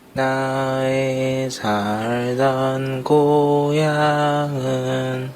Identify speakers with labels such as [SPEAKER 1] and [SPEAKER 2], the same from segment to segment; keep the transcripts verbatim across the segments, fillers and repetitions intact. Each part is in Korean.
[SPEAKER 1] 나의 살던 고향은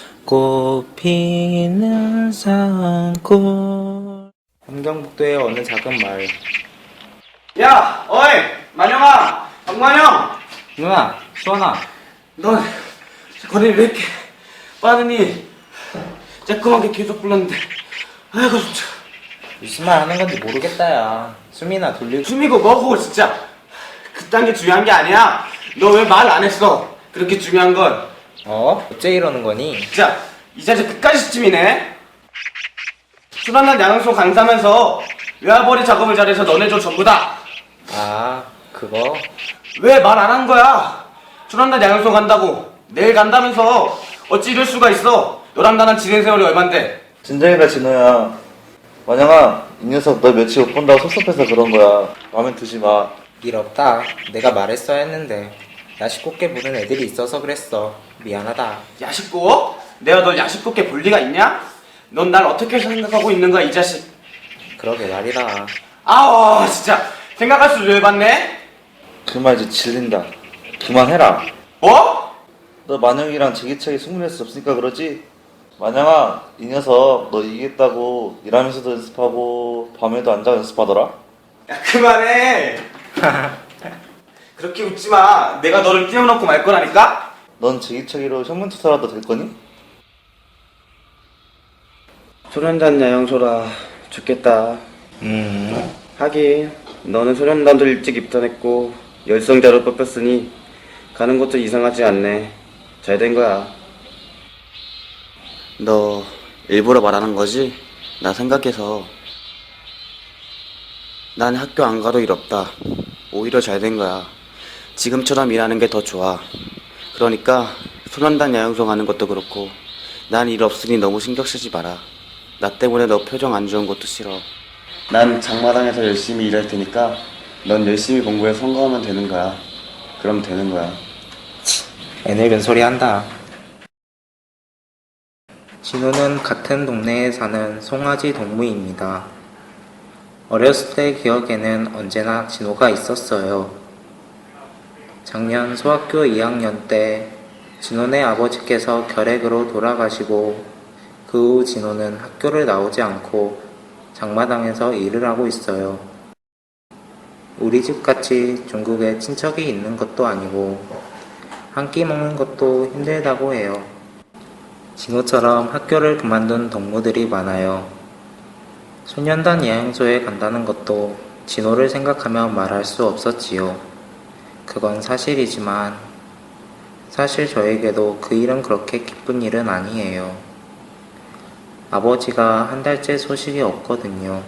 [SPEAKER 1] 꽃피는 산골. 함경북도의 어느 작은 마을.
[SPEAKER 2] 야, 어이, 만영아, 박만영.
[SPEAKER 1] 누나, 수원아.
[SPEAKER 2] 넌 거리를 왜 이렇게 빠르니? 쬐끄맣게 계속 불렀는데, 아이고 진짜.
[SPEAKER 1] 무슨 말 하는 건지 모르겠다, 야. 숨이나 돌리고.
[SPEAKER 2] 숨이고 뭐고 진짜. 그딴 게 중요한 게 아니야. 너 왜 말 안 했어? 그렇게 중요한 건.
[SPEAKER 1] 어? 어째 이러는 거니?
[SPEAKER 2] 진짜 이 자식 끝까지 시침이네. 수란난 양양소 강사면서 외화벌이 작업을 잘해서 너네들 전부다.
[SPEAKER 1] 아, 그거?
[SPEAKER 2] 왜 말 안 한 거야? 수란난 양양소 간다고 내일 간다면서 어찌 이럴 수가 있어? 너랑 나랑 지낸 세월이 얼만데.
[SPEAKER 3] 진정이가 진호야. 만영아, 이 녀석 너 며칠 못 본다고 섭섭해서 그런 거야. 마음에 드지 마.
[SPEAKER 1] 일 없다. 내가 말했어야 했는데. 야식곱게 보는 애들이 있어서 그랬어. 미안하다.
[SPEAKER 2] 야식고? 내가 널 야식곱게 볼 리가 있냐? 넌 날 어떻게 생각하고 있는 거야, 이 자식?
[SPEAKER 1] 그러게 말이다.
[SPEAKER 2] 아우, 진짜 생각할수록 열받네.
[SPEAKER 3] 그만 이제 질린다. 그만해라.
[SPEAKER 2] 뭐?
[SPEAKER 3] 너 만영이랑 제기차게 승부낼 수 없으니까 그러지? 만영아, 이 녀석 너 이기겠다고 일하면서도 연습하고 밤에도 앉아 연습하더라?
[SPEAKER 2] 야, 그만해. 그렇게 웃지 마. 내가 너를 띄워놓고 말 거라니까?
[SPEAKER 3] 넌 제기차기로 현문투사라도 될 거니?
[SPEAKER 2] 소련단 야영소라 좋겠다.
[SPEAKER 1] 음.
[SPEAKER 2] 하긴 너는 소련단도 일찍 입단했고 열성자로 뽑혔으니 가는 것도 이상하지 않네. 잘 된 거야. 너 일부러 말하는 거지? 나 생각해서. 난 학교 안 가도 일 없다. 오히려 잘 된 거야. 지금처럼 일하는 게 더 좋아. 그러니까 소년단 야영소 가는 것도 그렇고 난 일 없으니 너무 신경 쓰지 마라. 나 때문에 너 표정 안 좋은 것도 싫어. 난 장마당에서 열심히 일할 테니까 넌 열심히 공부해 성공하면 되는 거야. 그럼 되는 거야.
[SPEAKER 1] 애늙은 소리 한다. 진호는 같은 동네에 사는 송아지 동무입니다. 어렸을 때 기억에는 언제나 진호가 있었어요. 작년 소학교 이 학년 때 진호네 아버지께서 결핵으로 돌아가시고 그 후 진호는 학교를 나오지 않고 장마당에서 일을 하고 있어요. 우리 집같이 중국에 친척이 있는 것도 아니고 한 끼 먹는 것도 힘들다고 해요. 진호처럼 학교를 그만둔 동무들이 많아요. 소년단 야영소에 간다는 것도 진호를 생각하면 말할 수 없었지요. 그건 사실이지만 사실 저에게도 그 일은 그렇게 기쁜 일은 아니에요. 아버지가 한 달째 소식이 없거든요.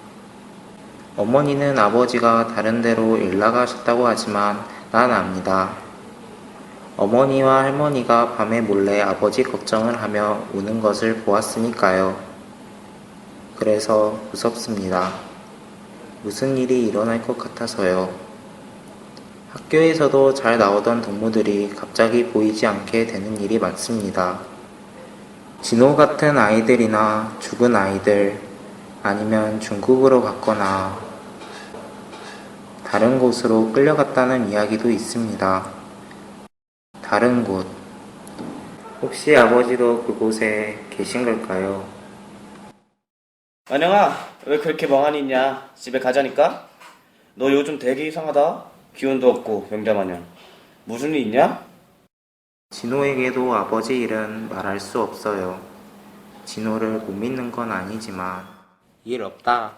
[SPEAKER 1] 어머니는 아버지가 다른 데로 일 나가셨다고 하지만 난 압니다. 어머니와 할머니가 밤에 몰래 아버지 걱정을 하며 우는 것을 보았으니까요. 그래서 무섭습니다. 무슨 일이 일어날 것 같아서요. 학교에서도 잘 나오던 동무들이 갑자기 보이지 않게 되는 일이 많습니다. 진호 같은 아이들이나 죽은 아이들, 아니면 중국으로 갔거나 다른 곳으로 끌려갔다는 이야기도 있습니다. 다른 곳. 혹시 아버지도 그곳에 계신 걸까요?
[SPEAKER 2] 만영아, 왜 그렇게 멍하니 있냐? 집에 가자니까? 너 요즘 되게 이상하다. 기운도 없고 명자 마냥. 무슨 일 있냐?
[SPEAKER 1] 진호에게도 아버지 일은 말할 수 없어요. 진호를 못 믿는 건 아니지만 일 없다.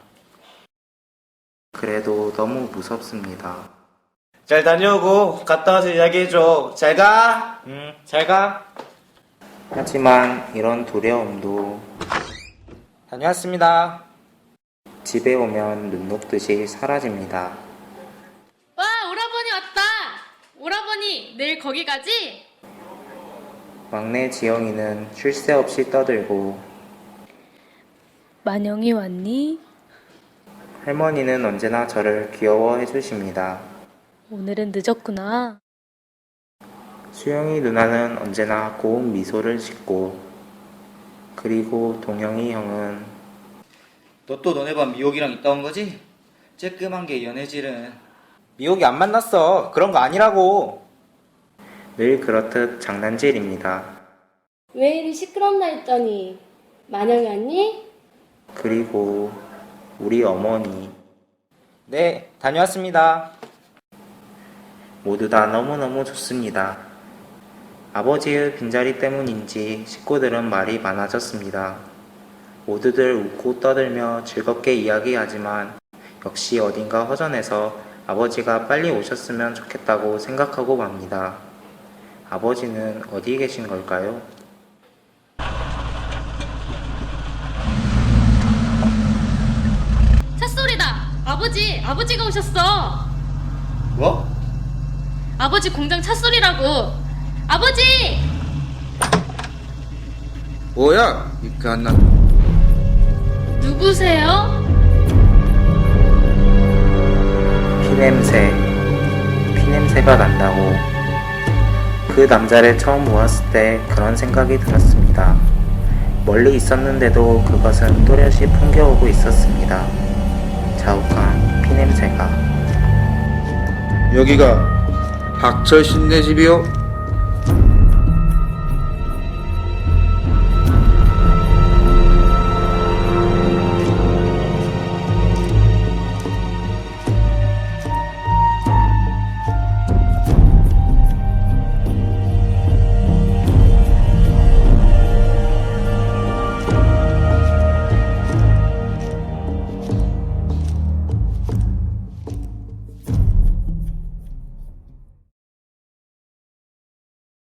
[SPEAKER 1] 그래도 너무 무섭습니다.
[SPEAKER 2] 잘 다녀오고 갔다 와서 이야기해줘. 잘 가.
[SPEAKER 1] 응, 잘 가. 하지만 이런 두려움도 다녀왔습니다. 집에 오면 눈 녹듯이 사라집니다.
[SPEAKER 4] 와, 오라버니 왔다! 오라버니, 내일 거기 가지?
[SPEAKER 1] 막내 지영이는 쉴 새 없이 떠들고
[SPEAKER 4] 만영이 왔니?
[SPEAKER 1] 할머니는 언제나 저를 귀여워해 주십니다.
[SPEAKER 4] 오늘은 늦었구나.
[SPEAKER 1] 수영이 누나는 언제나 고운 미소를 짓고 그리고 동영이 형은
[SPEAKER 5] 너 또 너네 반 미옥이랑 있다 온 거지? 쬐끔한 게 연애질은.
[SPEAKER 1] 미옥이 안 만났어. 그런 거 아니라고. 늘 그렇듯 장난질입니다.
[SPEAKER 5] 왜 이리 시끄럽나 했더니 만영이 왔니?
[SPEAKER 1] 그리고 우리 어머니. 네, 다녀왔습니다. 모두 다 너무너무 좋습니다. 아버지의 빈자리 때문인지 식구들은 말이 많아졌습니다. 모두들 웃고 떠들며 즐겁게 이야기하지만 역시 어딘가 허전해서 아버지가 빨리 오셨으면 좋겠다고 생각하고 맙니다. 아버지는 어디 계신 걸까요?
[SPEAKER 4] 찻소리다. 아버지, 아버지가 오셨어.
[SPEAKER 3] 뭐?
[SPEAKER 4] 아버지 공장 찻소리라고. 아버지!
[SPEAKER 6] 뭐야? 이렇게 안 나.
[SPEAKER 4] 누구세요?
[SPEAKER 1] 피냄새, 피냄새가 난다고. 그 남자를 처음 보았을 때 그런 생각이 들었습니다. 멀리 있었는데도 그것은 또렷이 풍겨오고 있었습니다. 자욱한 피냄새가.
[SPEAKER 6] 여기가 박철 씨네 집이요?